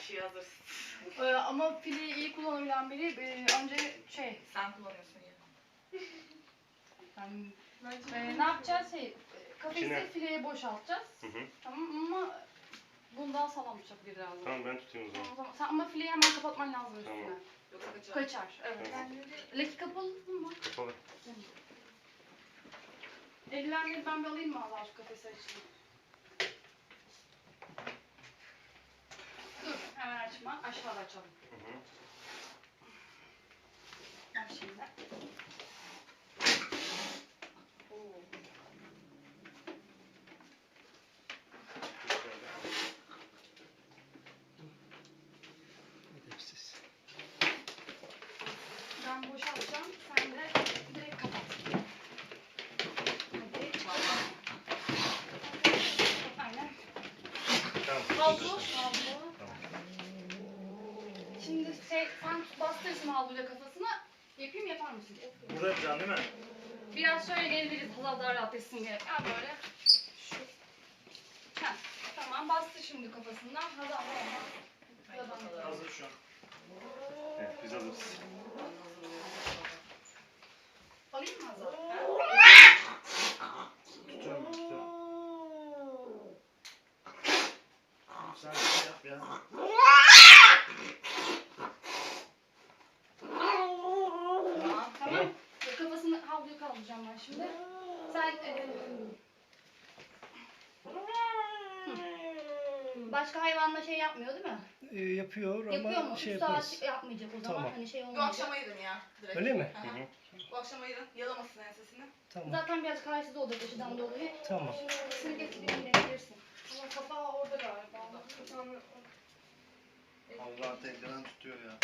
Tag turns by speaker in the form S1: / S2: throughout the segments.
S1: şey hazır.
S2: Ama fileyi iyi kullanabilen biri önce
S1: Sen kullanıyorsun ya.
S2: Yani, ne yapacağız? Kafesi fileye boşaltacağız. Tamam ama bundan sağlam bıçak lazım.
S3: Tamam ben tutayım o zaman.
S2: Sen ama fileyi hemen kapatman lazım
S3: Tamam.
S2: üstüne.
S1: Yoksa kaçar.
S2: Kaçar, evet.
S3: Tamam.
S2: Leki kapalı mı?
S3: Kapalı.
S2: Eldivenleri ben bir alayım mı Allah şu kafesi açayım? Dur hemen açma. Aşağıda açalım. Bak şimdi.
S4: Edepsiz.
S2: Ben boşaltacağım. Sen de direkt kapat. Hadi. Aynen.
S3: Tamam.
S2: Havlu. Şimdi sen bastırırsın havluyla kafasına. Yapayım yapar mısın?
S4: Burada yapacaksın değil mi?
S2: Biraz şöyle gelebiliriz. Hazal daha rahat etsin diye. Ha böyle. Şu. Heh. Tamam bastır şimdi kafasından. Hazal da
S4: Hazır şu an.
S3: Evet biz alırız.
S2: alayım mı Hazal?
S4: Tutuyorum. Sen şey yap ya.
S2: Tamam. Kafasını havluyu kaldıracağım ben şimdi. Sen başka hayvanla şey yapmıyor değil mi?
S4: Yapıyor ama
S2: Yapıyor mu? 3
S4: yaparız.
S2: saat yapmayacak o zaman.
S4: Tamam.
S2: Hani şey
S1: Bu
S2: olmayacak.
S1: akşam ayırın ya. Direkt.
S4: Öyle mi?
S1: Hı hı. Bu akşam ayırın. Yalamasın ensesini.
S4: Tamam.
S2: Zaten biraz kararsız olacak aşıdan dolayı.
S4: Tamam.
S2: Seni getireyim deneyebilirsin. Ama kapağı orada galiba.
S4: Allah tekrar tutuyor ya.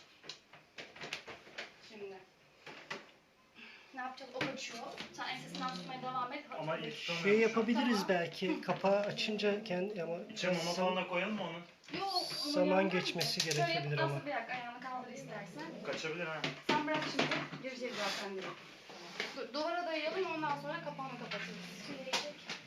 S2: Şimdi. Ne yapacağız? O kaçıyor. Sen ensesinden tutmaya devam et.
S4: Ama iyi
S2: Şey
S4: tutamıyorum.
S5: Şey yapabiliriz
S2: Tamam.
S5: belki. Kapağı açınca kendi ama
S4: İçe mama falan da koyalım mı onu?
S2: Yok. onu
S5: zaman
S2: yapmam.
S5: geçmesi
S2: Şöyle
S5: gerekebilir
S2: yap,
S5: ama.
S2: nasıl bırak ayağını kaldır istersen.
S4: Kaçabilir ha.
S2: Sen bırak şimdi. Gireceğiz zaten direkt. Dur, duvara dayayalım ondan sonra kapağını kapatırız. Şimdi gelecek.